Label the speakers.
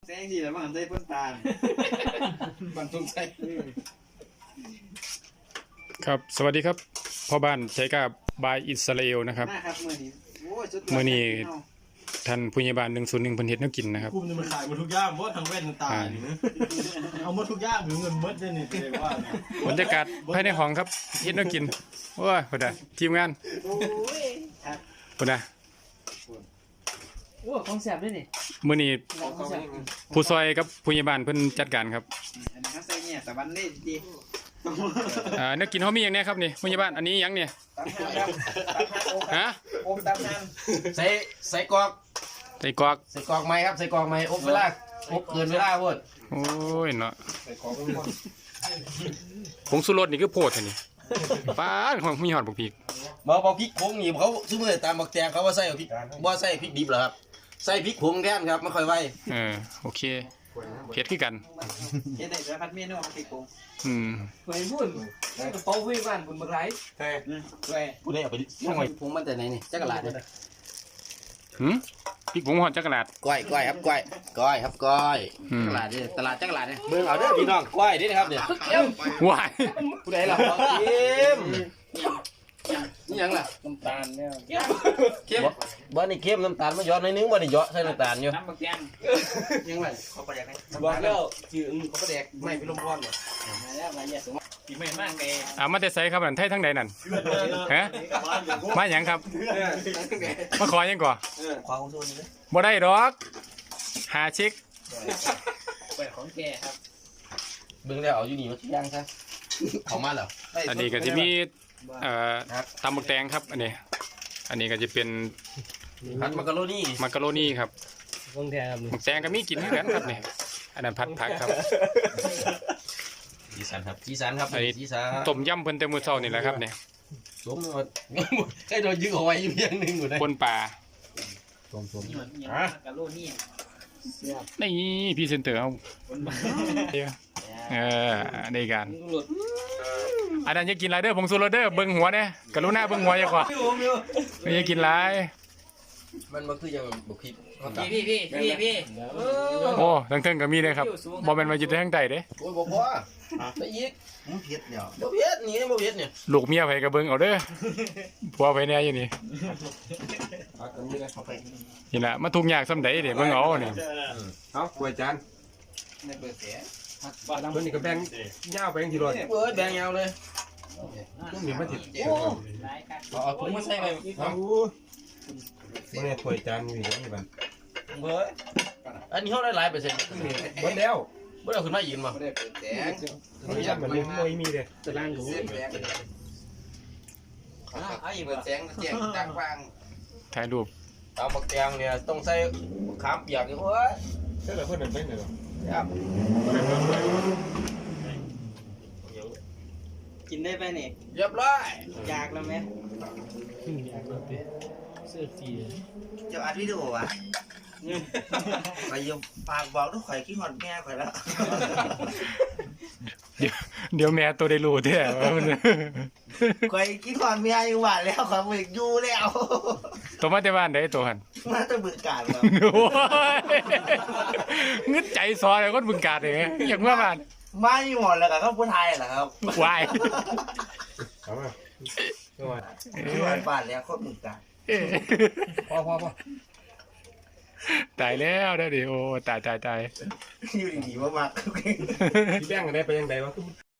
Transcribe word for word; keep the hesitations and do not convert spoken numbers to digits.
Speaker 1: แซงสิแล้วมันใส่พ่นตาบันทุงใส่
Speaker 2: ครับสวัสดีครับพ่อบ้านใช้กับบายอิสราเอลนะครับเมื่อนี้ท่านผู้ใหญ่บ้านหนึ่งศูนย์หนึ่งเพิ่นเฮ็ดแนวกินนะครับ
Speaker 3: กลุ่มนี้มันขายหมดทุกอย่างเพราะทางแว่นต่างๆเอาหมดทุกอย่างหรือเงินเบิดได้เนี่ยเลยว่า
Speaker 2: บรรยากาศภายในห้องครับเฮ็ดแนวกินโอ้ยพุ่นน่ะทีมงานพุ่นน่ะ
Speaker 4: โอ้ของแซ่บด้วยนี่
Speaker 2: มื้อนี้ผู้ซอยกับผู้ใหญ่บ้านเพิ่นจัดการครับ
Speaker 1: อันนี้ใส่เนี่ยตะวันเล่ดี
Speaker 2: อ่าแนวกินเฮามีหยังแน่ครับนี่ผู้ใหญ่บ้านอันนี้หยังเนี่ยฮะ
Speaker 1: โอมตำนาน
Speaker 5: ใส่ใส่กรอก
Speaker 2: ใส่กรอก
Speaker 5: ใส่กรอกไหมครับใส่กรอกไหมอบเวลาอบเกินเวลาพูด
Speaker 2: โอ้ยเนาะผงชูรสนี่คือโพดแท้นี่ป้าดของมีฮอดบักพริก
Speaker 5: บ่บ่พริกผงนี่เขาซื้อมือตามบักแตงเขาว่าใส่พริกบ่ใส่พริกดิบเหรอครับใส่พริกผงแทนครับไม่ค่อยไว
Speaker 2: เออโอเคเผ็ดคือกัน
Speaker 1: เฮ็ดได้สารพัดเมนูพริกผง
Speaker 2: อืม
Speaker 4: เฮ้ยพุ่นกระเป๋าวิ่งบ้านบุญบักไร
Speaker 1: ใช่ใช่
Speaker 5: ผู้ใดเอาไปทำไมผงมันแต่ไหนนี่จักรลาดเนี่ย
Speaker 2: หืมพริกผงฮอดจักรลาด
Speaker 5: ก้อยก้อยครับก้อยก้อยครับก้อยจักรลาดนี่ตลาดจักรลาดเนี่ยเบิ่งเอาเด้อพี่น้องก้อยนี่นะครับเนี่ย
Speaker 2: วาย
Speaker 5: ผู้ใดล่ะเข้มนี่ยังล่ะ
Speaker 1: น้ำตาลเนี่ย
Speaker 5: เข้มบ่นี่เข้มน้ำตาลมันหยอดหน่อยนึงบ่ได้หยอดใส่น้ำตาลอยู่
Speaker 1: น้ำบักแกง
Speaker 5: ยังไง
Speaker 1: เขาประแดกไหม
Speaker 5: บอกแล้วชื่อเขาประแดกไม่ไปลมร้อนเนี่ย
Speaker 1: มาแล้วมาเยอะสูงปีใหม่มากเลย
Speaker 2: อ่ามาแต่ไสครับนั่นไทยทั้งใดนั่นฮะมาหยังครับมาขอหยังก่อ
Speaker 5: ขวาของโซนนี่
Speaker 2: บ่ได้ดอกหาเช็ค
Speaker 1: เปิดของแกครับ
Speaker 5: เบิ่งแล้วเอาอยู่นี่มาย่างซะเอามาแล้ว
Speaker 2: อันนี้ก็จะมีเอ่อตำบักแตงครับอันนี้อันนี้ก็จะเป็น
Speaker 5: ผัดมักกะโรนี
Speaker 2: มักกะโรนีครับ
Speaker 4: วงแทงครับ
Speaker 2: มักแตงก็มีกินเหมือนกันครับนี่อันนั้นผัดผักครับ
Speaker 5: สีสันครับสีสันครับสีสัน
Speaker 2: ต้มยำเพิ่นแต่มื้อเช้านี่แหละครับนี่
Speaker 5: สมใครโดนยึดเอาไว้อยู่เพียงนึงอยู่ได้
Speaker 2: ปนปลา
Speaker 5: ต้มต้ม
Speaker 1: อ่ะกะโลนี่
Speaker 2: นี่พรีเซนเตอร์เอาเออในการอันนั้นจะกินไรเด้อผงซูโรเด้อเบิ้งหัวเนี่ยกรุณาเบิ้งหัวอย่าขวาไม่จะกินไร
Speaker 5: มันมันคือยังบุกคิด
Speaker 1: พี่พี่พี่พี่พี่
Speaker 2: โอ้ทั้งเทิงก็มีเลยครับบอเป็นมาจิตทั้งใจเด้
Speaker 5: โอ้ยบอกว่าไปยิก
Speaker 3: มันเผ็ดเนี่ย
Speaker 5: บ่เผ็ดนี่บ่เผ็ดเนี่ย
Speaker 2: ลูกเมียไผกับเบิ้งเอาเด้อผัวไผเนี่ยอยู่นี่นี่แหละมาทุกอย่างซ้ำใดเดี๋ยวเบิ้งเอาเนี่ย
Speaker 3: เอากล้วยจาน
Speaker 1: ในเบอร์เสีย
Speaker 3: ตัวนี้ก็แบ่งยาวแบ่งทีละ
Speaker 5: เออแบ่งยาวเลย
Speaker 3: ตัวนี้มันติด
Speaker 5: เอาถุงมาใส่ไป
Speaker 3: เอาตัวนี้กล้วยจานนี่นี่บัน
Speaker 5: เบอร์อันนี้เขาได้หลายเปอร์เซ็นต์
Speaker 3: หมดแล้ว
Speaker 5: บ่ได้ขึ้นมาอีกมั้ง
Speaker 1: ไม่ได้เปิดแสง
Speaker 3: มันยังเหมือนไม่มีเลย
Speaker 4: ตารางรู้
Speaker 1: เอาอีกเปิดแสงแจ้งต่างฟัง
Speaker 2: ถ่ายรูป
Speaker 5: เอาบักแตงเนี่ยต้องใส่ขามเปียกนี่โอ้ย
Speaker 3: ใช่เลยเพื่อนเป็นเลย
Speaker 5: ครับ
Speaker 1: กินได้ไปเนี่ย
Speaker 5: เรียบร้อย
Speaker 1: อยากแล้วไหม
Speaker 4: เสื้อสี
Speaker 1: จะอัดวิดีโอวะไปยมฝากบอกทุกข่อยคิดหอดแม่ข่อยแล้ว
Speaker 2: เดี๋ยวเดี๋ยวแม่ตัวได้รู้แท้
Speaker 1: ข่อยคิดหอดแม่อยู่หวานแล้วข่อยไม่อยู่แล้ว
Speaker 2: ตัวมาแต่บ้านได้ตัวหัน
Speaker 1: มาแต่บึงกาฬครับ
Speaker 2: งึดใจซอยคนบึงกาฬเลยอย่างเมื่อวาน
Speaker 1: มาอยู่หมดแล้วครับผู้ไทยเหรอครับ
Speaker 2: วาย
Speaker 3: เอามา
Speaker 1: ที่หวานบ้านแล้วคนบึงกาฬ
Speaker 5: พอพอพอ
Speaker 2: ตายแล้วได้ดิโอ้ตายตายตาย
Speaker 1: อยู่ดีๆมาก
Speaker 3: ๆพี่แบงค์ได้ไปยังไงวะ